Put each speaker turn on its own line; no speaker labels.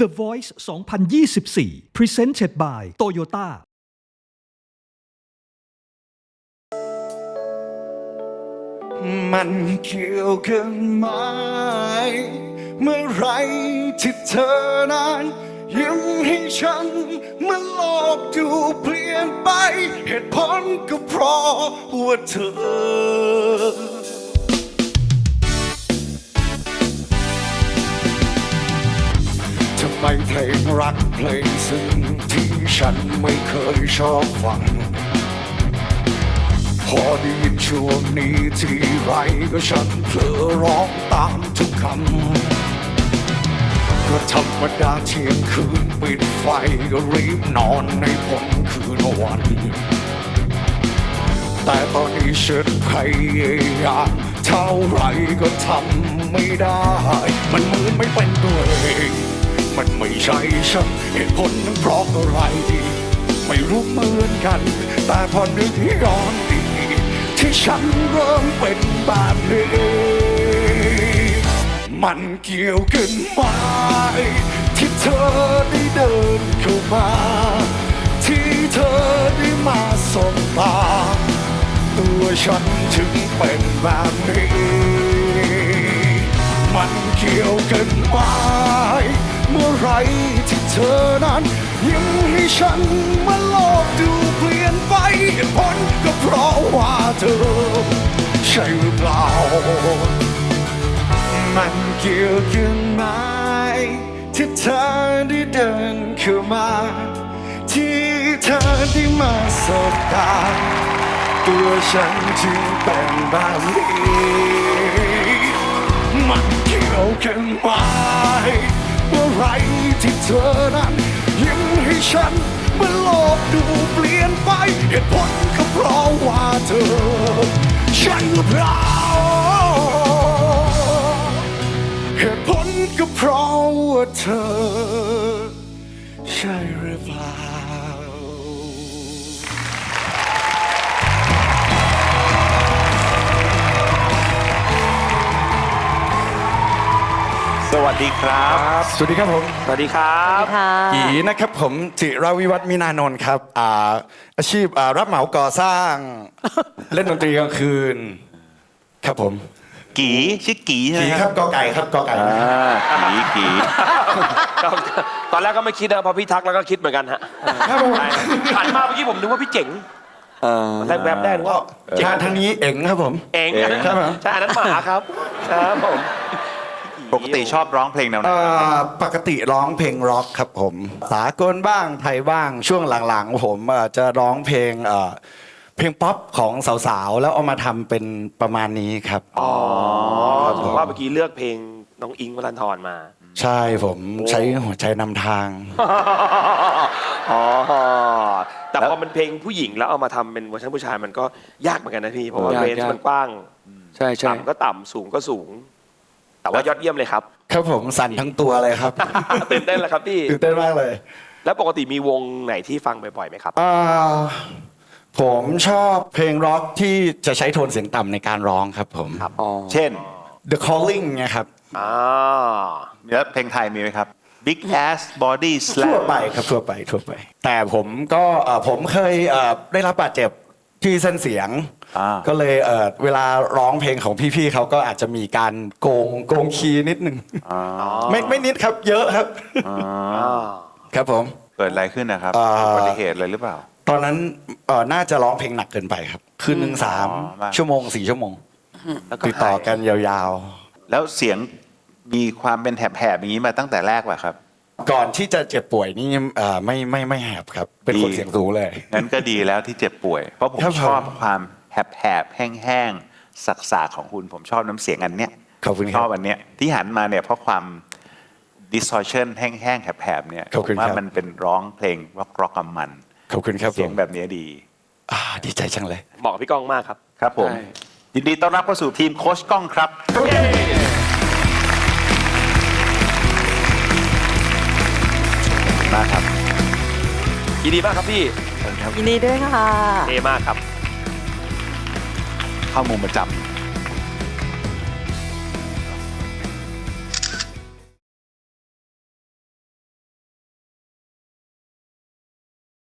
The Voice 2024 Presented by Toyota
มันเกี่ยวกันไหมเมื่อไรที่เธอนั้นยิ้มให้ฉันเมื่อโลกดูเปลี่ยนไปเหตุผลก็เพราะว่าเธอทำไมเพลงรักเพลงซึ้งที่ฉันไม่เคยชอบฟังพอได้ยินช่วงนี้ทีไรก็ฉันเผลอร้องตามทุกคำก็ธรรมดาเที่ยงคืนปิดไฟก็รีบนอนในพ้นคืนวันแต่ตอนนี้ฉันพยายามเท่าไรก็ทำไม่ได้มันเหมือนไม่เป็นตัวเองมันไม่ใช่ฉันเหตุผลนั้นเพราะอะไรไม่รู้เหมือนกันแต่พอนึกย้อนดีที่ฉันเริ่มเป็นแบบนี้มันเกี่ยวกันไหมที่เธอได้เดินเข้ามาที่เธอได้มาสบตาตัวฉันถึงเป็นแบบนี้มันเกี่ยวกันไหมเมื่อไรที่เธอนั้นยิ้มให้ฉันเมื่อโลกดูเปลี่ยนไปเหตุผลก็เพราะว่าเธอใช่หรือเปล่ามันเกี่ยวกันไหมที่เธอได้เดินเข้ามาที่เธอได้มาสบตาตัวฉันจึงเป็นแบบนี้มันเกี่ยวกันไหมเมื่อไรที่เธอนั้นยิ้มให้ฉันเมื่อโลกดูเปลี่ยนไปเหตุผลก็เพราะว่าเธอใช่หรือเปล่าเหตุผลก็เพราะว่าเธอใช่หรือเปล่า
สวัสดีครับ
สวัสดีครับผม
สวัสดีครับ
กีนะครับผมจิรวิวัฒน์มินานนท์ครับอาชีพรับเหมาก่อสร้าง เล่นดนตรีกลางคืนครับผม
กีชื่อกีใช่ไหม
กีครับกอไก่ครับกอไก่
กี
ตอนแรกก็ไม่คิดนะพอพี่ทักแล้วก็คิดเหมือนกันฮะ
ครับผม
หันมาเมื่อกี้ผมนึกว่าพี่เจ๋งแรกแวบแรกนึกว่า
ทางนี้เอ๋งครับผม
เอง
ครับผม
ใช่อันนั้นหมาครับครับผม
ปกติชอบร้องเพลงแนวไหน
ปกติร้องเพลงร็อกครับผมสากลบ้างไทยบ้างช่วงหลังๆผมจะร้องเพลงป๊อปของสาวๆแล้วเอามาทำเป็นประมาณนี้ครับ
ถึงว่าเมื่อกี้เลือกเพลงน้องอิงค์วรันธรมา
ใช่ผมใช้หัวใจนำทาง
อ๋อแต่พอมันเพลงผู้หญิงแล้วเอามาทำเป็นเวอร์ชันผู้ชายมันก็ยากเหมือนกันนะพี่เพราะว่าเรนจ์มันกว้าง
ใช่ใช่
ต่ำก็ต่ำสูงก็สูง แต่ว่ายอดเยี่ยมเลยครับ
ครับผมสั่นทั้งตัวเลยครับ
ตื่นเต้นแล้วครับพี่
ตื่นเต้นมากเลย
แล้วปกติมีวงไหนที่ฟังบ่อยๆไหมครับ
ผมชอบเพลงร็อกที่จะใช้โทนเสียงต่ำในการร้องครับผม
เช่น
The Calling ไงครับ
แล้วเพลงไทยมีไหมครับ Big Ass Body
ทั่ว
Slam
ไปครับทั่วไป แต่ผมก็ผมเคยได้รับบาดเจ็บที่เส้นเสียง ก็เลยเวลาร้องเพลงของพี่ๆเขาก็อาจจะมีการโกงคีย์นิดนึงไม่นิดครับเยอะครับครับผม
เกิดอะไรขึ้นนะครับอุบัติเหตุอะไรหรือเปล่า
ตอนนั้นน่าจะร้องเพลงหนักเกินไปครับคืนหนึ่ง3 ชั่วโมง 4 ชั่วโมงติดต่อกันยาว
แล้วเสียงมีความเป็นแหบๆอย่างนี้มาตั้งแต่แรกป่ะครับ
ๆ ก่อนที่จะเจ็บป่วยนี่ไม่แหบครับ เป็นคนเสียงสูงเลย
งั้นก็ดีแล้วที่เจ็บป่วย เพราะผม
ครับผม
ชอบความแหบๆแห้งๆสักๆของคุณผมชอบน้ำเสียงอันเนี้ย
ขอบคุณค
ช
รั
อ
บบ
อันเนี้ยที่หันมาเนี่ยเพราะความ distortion แห้งๆแหบๆเนี่ย
ขอบคุณ
ผมว่า
ครับ
มันเป็นร้องเพลงร็อกกับมัน
ขอบคุณครับ
เสียง
ผม
แบบนี้ดี
ดีใจจังเลย
เหมาะกับพี่ก้องมากครับ
ครับผมยินดีต้อนรับเข้าสู่ทีมโค้ชก้องครับมาครับ
ยินดีมากครับพี่
ยินดีด้วยค่ะ
เท่มากครับ
เข้ามุมประจำ